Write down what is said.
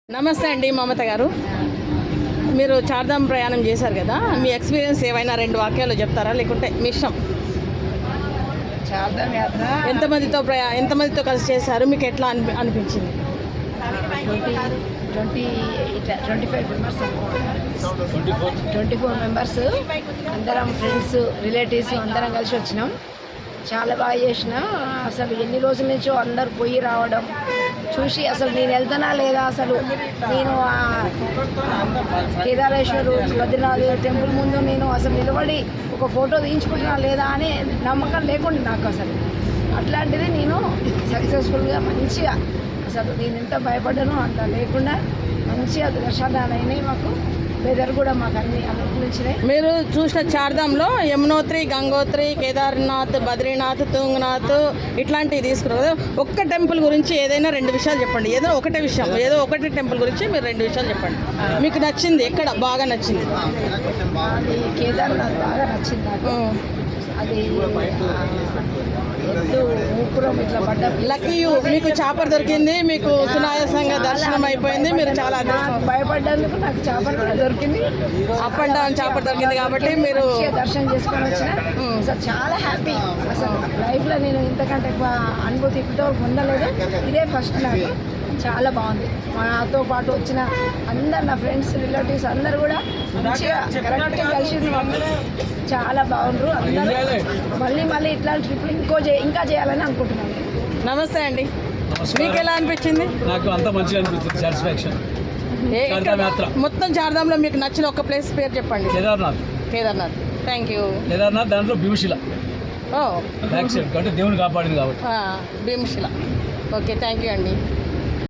నమస్తే అండి మమత గారు. మీరు చార్ధామ్ ప్రయాణం చేశారు కదా, మీ ఎక్స్పీరియన్స్ ఏవైనా 2 వాక్యాలు చెప్తారా, లేకుంటే మీ ఇష్టం? చార్ధామ్ యాత్ర ఎంతమందితో కలిసి చేశారు, మీకు ఎట్లా అనిపించింది? 25 మెంబర్స్ 24 మెంబర్స్ అందరం ఫ్రెండ్స్ రిలేటివ్స్ అందరం కలిసి వచ్చినాం. చాలా బాగా చేసిన. అసలు ఎన్ని రోజుల నుంచో అందరు పోయి రావడం చూసి అసలు నేను వెళ్తానా లేదా, అసలు నేను కేదారేశ్వరు బద్రీనాథ్ టెంపుల్ ముందు నేను అసలు నిలబడి ఒక ఫోటో తీయించుకుంటున్నా లేదా అని నమ్మకం లేకుండా నాకు అసలు. అట్లాంటిది నేను సక్సెస్ఫుల్గా మంచిగా అసలు నేను ఎంత భయపడ్డానో అంత లేకుండా మంచిగా దర్శనాలు అయినాయి. మాకు వెదర్ కూడా మాకు అన్ని అనుకూలించినాయి. మీరు చూసిన చార్ధామ్లో యమునోత్రి, గంగోత్రి, కేదార్నాథ్, బద్రీనాథ్, తుంగనాథ్ ఇట్లాంటివి తీసుకున్నారు కదా. ఒక్క టెంపుల్ గురించి ఏదైనా 2 విషయాలు చెప్పండి. ఏదో ఒకటి టెంపుల్ గురించి మీరు 2 విషయాలు చెప్పండి. మీకు నచ్చింది ఎక్కడ బాగా నచ్చింది? అది కేదార్నాథ్ బాగా నచ్చింది నాకు. అది ఊపురం ఇట్లా పడ్డ లక్కీ యూ, మీకు చాపర్ దొరికింది, మీకు సునాయాసంగా దర్శనం అయిపోయింది. మీరు చాలా భయపడ్డందుకు నాకు చాపర్ కూడా దొరికింది. అప్ అండ్ డౌన్ చాపర్ దొరికింది కాబట్టి మీరు దర్శనం చేసుకొని వచ్చిన. అసలు చాలా హ్యాపీ. అసలు లైఫ్లో నేను ఇంతకంటే ఎక్కువ అనుభూతి ఇప్పటివరకు పొందలేదు. ఇదే ఫస్ట్ నాకు. చాలా బాగుంది. నాతో పాటు వచ్చిన అందరు నా ఫ్రెండ్స్ రిలేటివ్స్ అందరు కూడా మంచిగా కరెక్ట్గా కలిసి చాలా బాగుండ్రు అందరూ. మళ్ళీ ఇట్లాంటి ట్రిప్లు ఇంకా చేయాలని అనుకుంటున్నాను. నమస్తే అండి, మీకు ఎలా అనిపించింది? నాకు అంత మంచిగా అనిపించింది. సాటిస్ఫాక్షన్. మొత్తం చార్ధామ్లో మీకు నచ్చిన ఒక ప్లేస్ పేరు చెప్పండి. కేదార్నాథ్. Thank you. కేదార్నాథ్ దాంట్లో భీమశిల ఓ బ్యాక్ సైడ్ అంటే దేవుని కాపాడింది కాబట్టి భీమశిల. ఓకే, థ్యాంక్ యూ అండి.